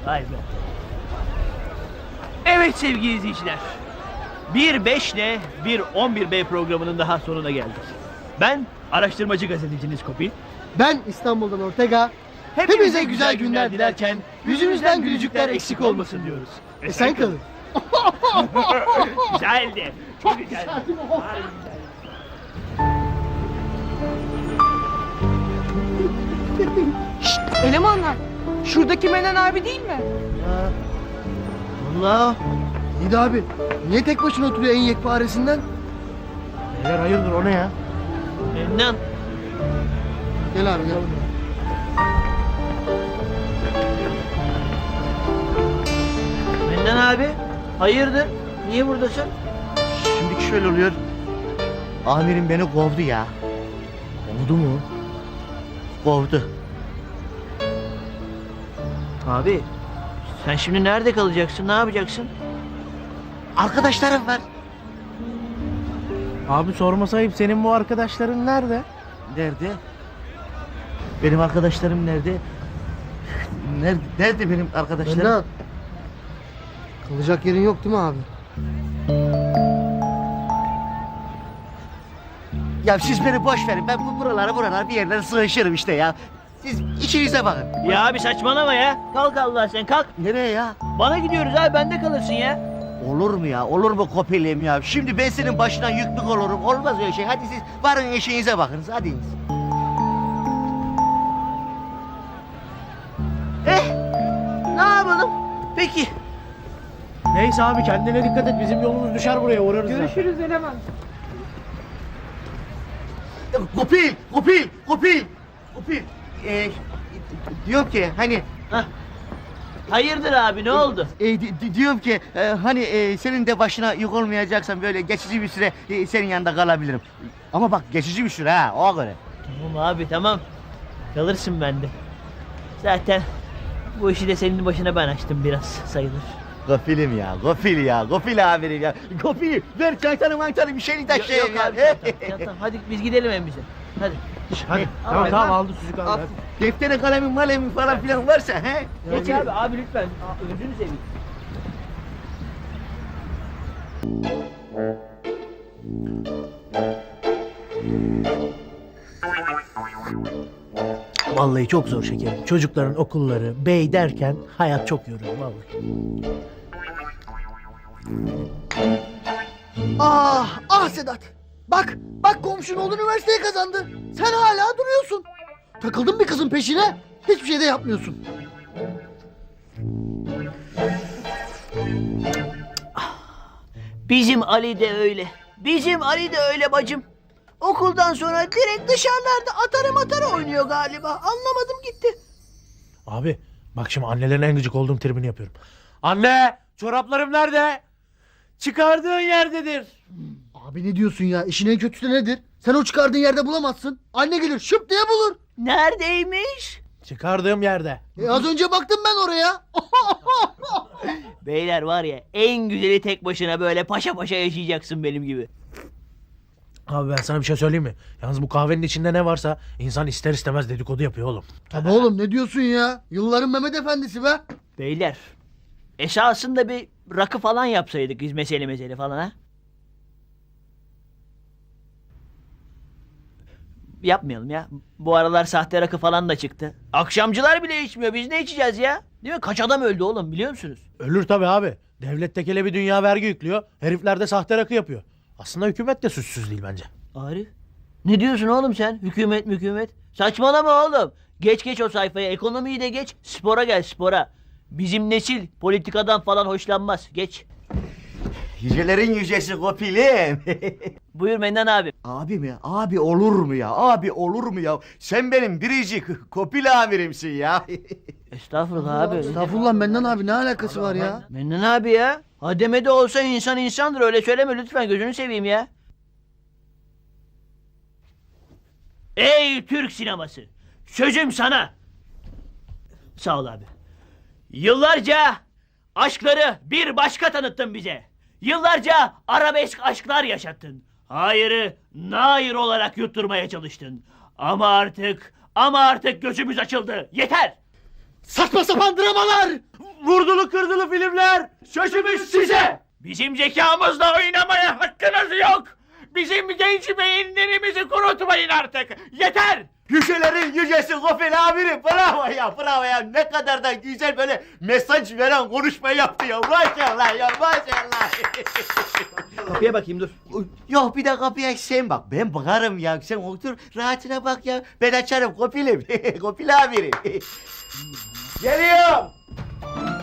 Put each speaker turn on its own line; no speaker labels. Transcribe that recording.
Vay be. Evet sevgili izleyiciler. Bir 5 ile bir 11B programının daha sonuna geldik. Ben araştırmacı gazeteciniz Kopil.
Ben İstanbul'dan Ortega. Hepinize güzel günler dilerken yüzünüzden gülücükler eksik olmasın diyoruz. Sen kalın.
Güzeldi. Çok güzeldi. Harbi güzeldi.
Elemanlar, şuradaki Menen abi değil mi?
Allah. İyi abi. Niye tek başına oturuyor en yekparesinden?
Beyler hayırdır o ne ya?
Mennan.
Gel abi gel.
Mennan abi. Hayırdır? Niye buradasın?
Şimdiki şöyle oluyor. Amirim beni kovdu ya.
Oldu mu?
Kovdu.
Abi. Sen şimdi nerede kalacaksın? Ne yapacaksın?
Arkadaşlarım var.
Abi sorma sayıp senin bu arkadaşların nerede?
Nerede? Benim arkadaşlarım nerede? Nerede benim arkadaşlarım?
Mennan. Kalacak yerin yok değil mi abi?
Ya siz beni boş verin. Ben bu buralara bir yerlere sığışırım işte ya. Siz içinize bakın.
Ya abi saçmalama ya. Kalk Allah sen kalk.
Nereye ya?
Bana gidiyoruz abi bende kalırsın ya.
Olur mu ya? Olur mu Kopelim ya? Şimdi ben senin başına yüklük olurum. Olmaz öyle şey. Hadi siz varın eşeğinize bakınız. Hadi.
Ne yapalım? Peki.
Neyse abi kendine dikkat et bizim yolumuz düşer buraya uğrarız.
Görüşürüz eleman.
Kopil. Diyorum ki hani
Hayırdır abi ne oldu?
diyorum ki hani senin de başına yük olmayacaksan böyle geçici bir süre senin yanında kalabilirim. Ama bak geçici bir süre ha o göre.
Tamam abi tamam. Kalırsın bende. Zaten bu işi de senin başına ben açtım biraz sayılır.
Gofil amirim ya. Gofil ver çantanı bir şeyini taşıyayım ya.
abi tamam. Hadi biz gidelim en bize. Hadi.
Hadi tamam aldı sucuk abi. hadi.
Defteri kalemin falan filan varsa he.
Geç abi lütfen. Gözünü seveyim.
Vallahi çok zor şekerim. Çocukların okulları, bey derken hayat çok yoruyor vallahi.
Ah Sedat. Bak komşun oğlu üniversiteye kazandı. Sen hala duruyorsun. Takıldın bir kızın peşine. Hiçbir şey de yapmıyorsun.
Bizim Ali de öyle. Bizim Ali de öyle bacım. Okuldan sonra direkt dışarılarda atarı oynuyor galiba. Anlamadım gitti.
Abi bak şimdi annelerin en gıcık olduğum tribini yapıyorum. Anne çoraplarım nerede? Çıkardığın yerdedir.
Abi ne diyorsun ya? İşin en kötüsü nedir? Sen o çıkardığın yerde bulamazsın. Anne gelir şıp diye bulur.
Neredeymiş?
Çıkardığım yerde.
Az önce baktım ben oraya.
Beyler var ya en güzeli tek başına böyle paşa paşa yaşayacaksın benim gibi.
Abi ben sana bir şey söyleyeyim mi? Yalnız bu kahvenin içinde ne varsa insan ister istemez dedikodu yapıyor oğlum.
Tabii oğlum ne diyorsun ya? Yılların Mehmet Efendisi be.
Beyler esasında bir rakı falan yapsaydık biz mesele falan ha. Yapmayalım ya. Bu aralar sahte rakı falan da çıktı. Akşamcılar bile içmiyor. Biz ne içeceğiz ya? Değil mi? Kaç adam öldü oğlum biliyor musunuz?
Ölür tabii abi. Devlet tekele bir dünya vergi yüklüyor. Herifler de sahte rakı yapıyor. Aslında hükümet de suçsuz değil bence.
Arif. Ne diyorsun oğlum sen? Hükümet. Saçmalama oğlum. Geç o sayfaya. Ekonomiyi de geç. Spora gel spora. Bizim nesil politikadan falan hoşlanmaz. Geç.
Yücelerin yücesi Kopilim.
Buyur Mennan abi.
Abi mi? Abi olur mu ya? Abi olur mu ya? Sen benim biricik Kopil amirimsin ya.
Estağfurullah abi.
Estağfurullah Mennan abi ne alakası var ya?
Mennan abi ya. Hademe de olsa insan insandır. Öyle söyleme lütfen. Gözünü seveyim ya. Ey Türk sineması. Sözüm sana. Sağ ol abi. Yıllarca aşkları bir başka tanıttın bize. Yıllarca arabesk aşklar yaşattın. Hayırı nair olarak yutturmaya çalıştın. Ama artık gözümüz açıldı. Yeter.
Saçma sapan dramalar!
vurdulu kırdılı filmler. Şaşırmış size.
Bizim zekamızla oynamaya hakkınız yok. Bizim genç beyinlerimizi kurutmayın artık. Yeter.
Yücelerin yücesi Gofil amirim. Bravo ya, bravo ya. Ne kadar da güzel böyle mesaj veren konuşma yaptı ya. Maşallah ya, maşallah.
Kapıya bakayım dur.
Yok, bir de kapıya sen bak. Ben bakarım ya. Sen otur rahatına bak ya. Ben açarım Gofil'im. Gofil amirim. Geliyorum.